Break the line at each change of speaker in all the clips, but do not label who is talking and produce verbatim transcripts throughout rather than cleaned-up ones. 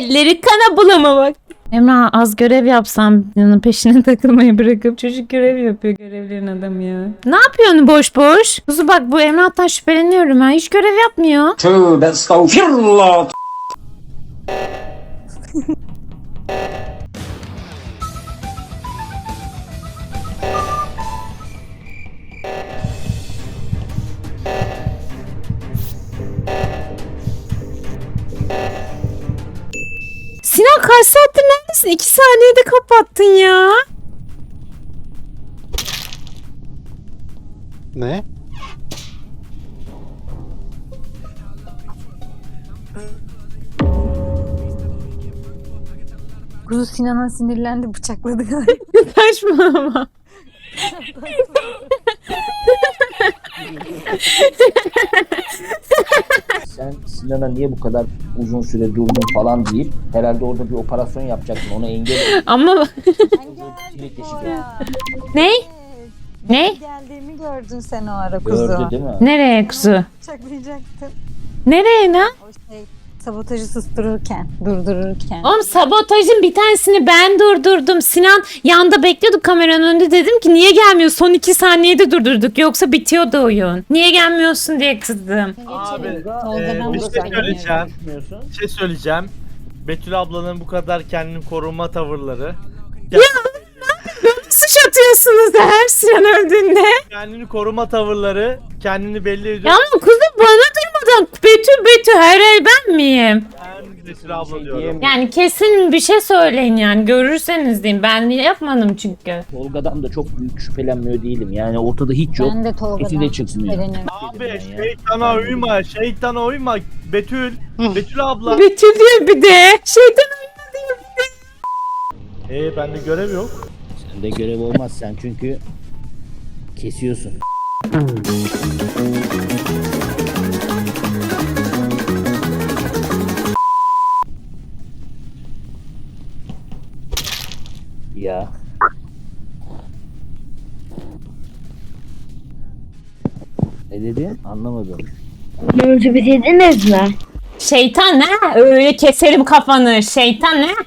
Elleri kana bulama bak. Emrah az görev yapsam yanın peşine takılmayı bırakıp çocuk görev yapıyor görevlerin adamı ya. Ne yapıyorsun boş boş? Kuzu bak bu Emrah'tan şüpheleniyorum ha. Hiç görev yapmıyor.
Tövbe estağfirullah.
Sinan kaç saattir neredesin? İki saniyede kapattın ya.
Ne?
Kuzu Sinan'a sinirlendi, bıçakladı galiba.
Saçmalama.
Sen Sinan'a niye bu kadar uzun süre durdun falan deyip herhalde orada bir operasyon yapacaktın. Ona engel
Ama
kilit deşik
ne? Ne?
Geldiğimi gördün sen o ara kuzu.
gördü değil mi?
Nereye kuzu?
Bıçaklayacaktın.
Nereye lan?
O şey sabotajı sustururken, durdururken.
Oğlum sabotajın bir tanesini ben durdurdum. Sinan yanda bekliyordu kameranın önünde. Dedim ki niye gelmiyor? Son iki saniyede durdurduk. Yoksa bitiyordu oyun. Niye gelmiyorsun diye kızdım.
Abi,
Tolga'dan
e, bir
da
şey
sen
söyleyeceğim.
Düşünüyorsun.
Bir şey söyleyeceğim. Betül ablanın bu kadar kendini koruma tavırları.
Suç atıyorsunuz da her Sinan öldüğünde.
Kendini koruma tavırları kendini belli ediyor.
Ya ama kuzum bana durmadan Betül Betül her el ben miyim?
Ben Betül abla
şey
diyorum.
diyemiyorum.
Yani kesin bir şey söyleyin yani görürseniz diyeyim. Ben yapmadım çünkü.
Tolga'dan da çok büyük şüphelenmiyor değilim. Yani ortada hiç yok.
Ben de
Eti
Tolga'dan
de çıksın ya.
şüpheleniyorum.
Abi şeytana uyma, şeytana uyma. Betül, Betül abla.
Betül diyor bir de. Şeytan oyna diyor bir de.
Ee bende görev yok.
Sende görev olmaz sen çünkü kesiyorsun. Ya. Ne dedin? Anlamadım.
Önce bitirdiniz mi?
Şeytan ne? Öyle keserim kafanı. Şeytan ne?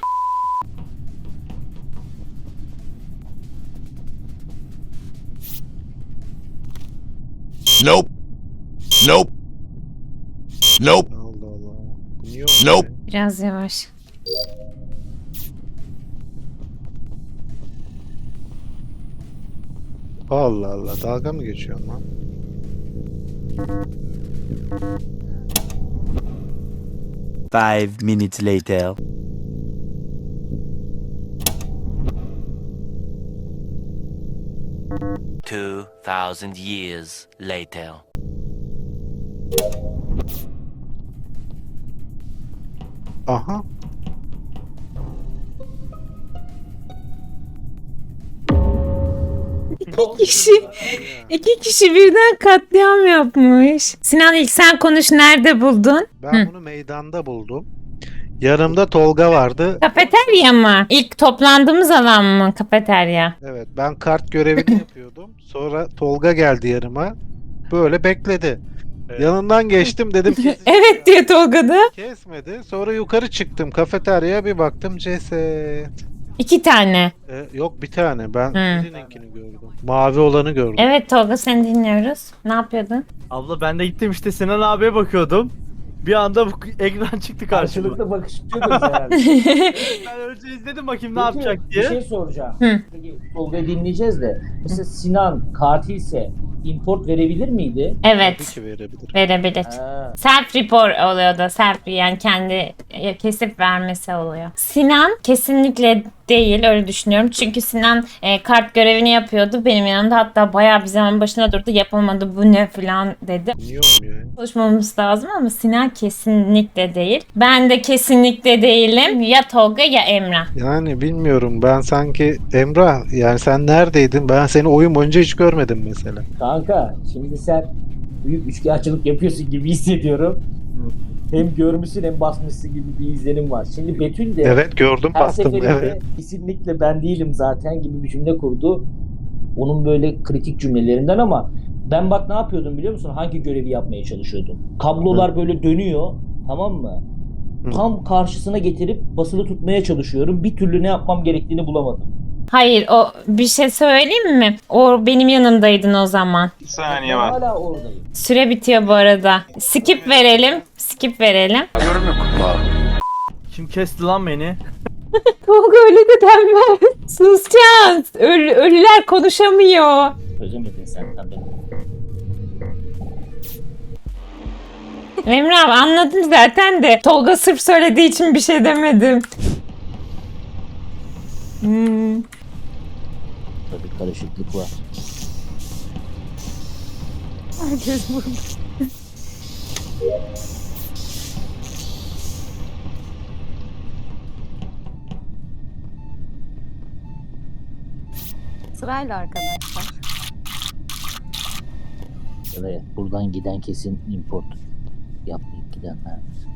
Nope. Nope. Nope.
Allah Allah. Niye
Nope.
Biraz yavaş.
Allah Allah. Dalga mı geçiyorsun lan?
Five minutes later. Two thousand years later.
Aha.
İki kişi, iki kişi birden katliam yapmış. Sinan ilk sen konuş nerede buldun?
Ben
Hı.
bunu meydanda buldum. Yanımda Tolga vardı.
Kafeterya mı? İlk toplandığımız alan mı kafeterya?
Evet, ben kart görevini yapıyordum. Sonra Tolga geldi yanıma. Böyle bekledi.
Evet.
Yanından geçtim dedim kesecek
Evet diye Tolga'da.
Kesmedi. Sonra yukarı çıktım kafeteryaya bir baktım ceset.
İki tane.
Ee, yok bir tane. Ben
Hı.
birininkini gördüm. Mavi olanı gördüm.
Evet Tolga seni dinliyoruz. Ne yapıyordun?
Abla ben de gittim işte Sinan abiye bakıyordum. Bir anda bu ekran çıktı karşıma.
Karşılıklı bakışıyordunuz herhalde.
Ben önce izledim bakayım ne
Peki,
yapacak
Bir
diye.
şey soracağım.
Hı.
Peki, Tolga'yı dinleyeceğiz de. Mesela Sinan katilse import verebilir miydi?
Tabii
Evet
ki verebilir.
verebilir.
Ha.
Self report oluyor da self yani kendi kesip vermesi oluyor. Sinan kesinlikle değil öyle düşünüyorum. Çünkü Sinan e, kart görevini yapıyordu benim yanımda hatta bayağı bir zaman başına durdu yapamadı bu ne falan dedi.
Niye olmuyor ya?
Konuşmamız lazım ama Sinan kesinlikle değil. Ben de kesinlikle değilim. Ya Tolga ya Emrah.
Yani bilmiyorum ben sanki Emrah yani sen neredeydin? Ben seni oyun boyunca hiç görmedim mesela.
Kanka şimdi sen büyük üçkağıtçılık yapıyorsun gibi hissediyorum. Hem görmüşsün hem basmışsın gibi bir izlenim var. Şimdi Betül de
Evet gördüm
her
bastım
seferinde
evet.
kesinlikle ben değilim zaten gibi bir cümle kurdu. Onun böyle kritik cümlelerinden ama ben bak ne yapıyordum biliyor musun? Hangi görevi yapmaya çalışıyordum? Kablolar böyle dönüyor, tamam mı? Tam karşısına getirip basılı tutmaya çalışıyorum. Bir türlü ne yapmam gerektiğini bulamadım.
Hayır, o bir şey söyleyeyim mi? O benim yanımdaydın o zaman.
Bir saniye
Ben
var.
hala oradayım.
Süre bitiyor bu arada. Skip verelim. Skip verelim.
Kim kesti lan beni?
Tolga öyle de denmez. Susacağız. Ölü, ölüler konuşamıyor.
Çözemedin sen tabii.
Emre abi anladım zaten de. Tolga sırf söylediği için bir şey demedim. Hmm.
Tabii karışıklık var.
Herkes burada. Sırayla arkadaşlar.
Evet, buradan giden kesin import yapmayıp gidenler.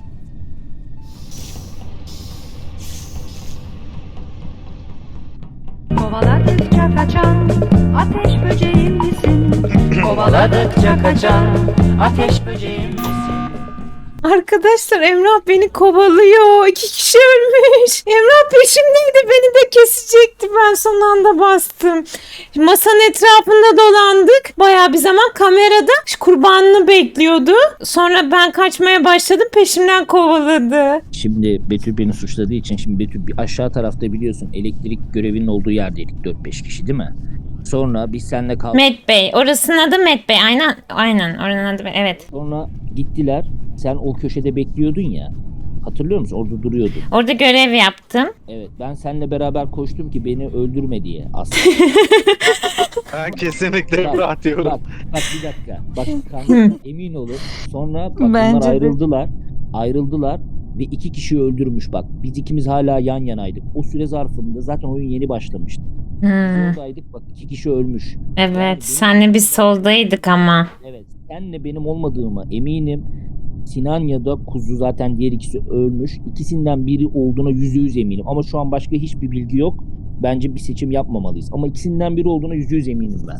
Kovaladıkça kaçan ateş böceğim misin?
Kovaladıkça kaçan ateş böceğim misin?
Arkadaşlar Emrah beni kovalıyor. İki kişi ölmüş. Emrah peşimdeydi. Beni de kesecekti. Ben son anda bastım. Masanın etrafında dolandık. Bayağı bir zaman kamerada kurbanını bekliyordu. Sonra ben kaçmaya başladım. Peşimden kovaladı.
Şimdi Betül beni suçladığı için şimdi Betül bir aşağı tarafta biliyorsun elektrik görevinin olduğu yerdeydik dört beş kişi değil mi? Sonra biz seninle kaldık.
Met Bey. Orasının adı Met Bey. Aynen. Aynen. Oranın adı evet.
Sonra gittiler. Sen o köşede bekliyordun ya. Hatırlıyor musun? Orada duruyordun.
Orada görev yaptım.
Evet, ben seninle beraber koştum ki beni öldürme diye aslında.
Ben kesinlikle
Bak,
Emrah diyorum.
Bak, bak bir dakika. Bak kanka, emin olun. Sonra bak, bunlar
Bence de.
ayrıldılar. Ayrıldılar ve iki kişiyi öldürmüş bak. Biz ikimiz hala yan yanaydık. O süre zarfında zaten oyun yeni başlamıştı. Biz
Hmm.
oradaydık bak, iki kişi ölmüş.
Evet.
benim-
Senle biz soldaydık ama.
Evet. Senle benim olmadığıma eminim. Sinan ya da Kuzu zaten diğer ikisi ölmüş. İkisinden biri olduğuna yüzde yüz eminim. Ama şu an başka hiçbir bilgi yok. Bence bir seçim yapmamalıyız. Ama ikisinden biri olduğuna yüzde yüz eminim ben.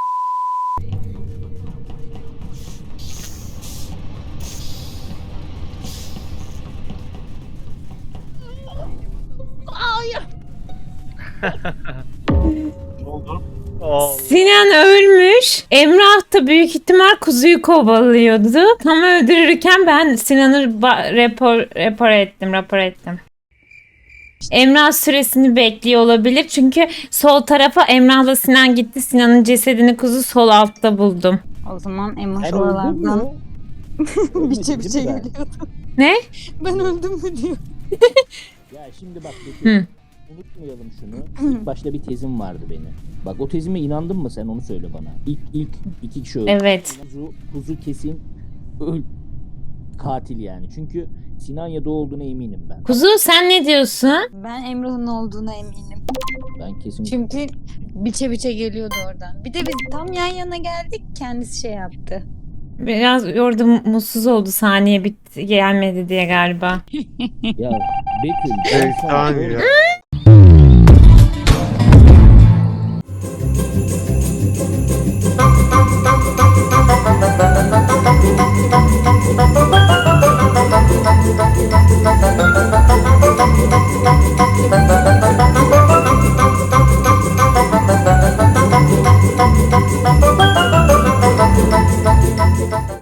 Ne oldu?
Allah.
Sinan ölmüş. Emrah da büyük ihtimal kuzuyu kovalıyordu. Tam öldürürken ben Sinan'ı ba- rapor, rapor ettim, rapor ettim. Emrah süresini bekliyor olabilir. Çünkü sol tarafa Emrah'la Sinan gitti. Sinan'ın cesedini kuzu sol altta buldum.
O zaman Emoş
Sen öldün
oralardan
mü?
biçe biçe
Ölmedin mi
geliyordu.
Ne?
Ben öldüm mü diyor.
Ya şimdi bak Betül,
Hı.
unutmayalım şunu. İlk başta bir tezim vardı benim. Bak o tezime inandın mı sen, onu söyle bana. İlk ilk iki kişi öldü.
Evet.
Kuzu, kuzu kesin öl katil yani. Çünkü Sinan ya da olduğuna eminim ben.
Kuzu sen ne diyorsun?
Ben Emrah'ın olduğuna eminim.
Ben kesin
Çünkü biçe biçe geliyordu oradan. Bir de biz tam yan yana geldik, kendisi şey yaptı.
Biraz orada mutsuz oldu saniye bitti gelmedi diye galiba.
ya Betül ben sana
Şeytan
orada-
ya.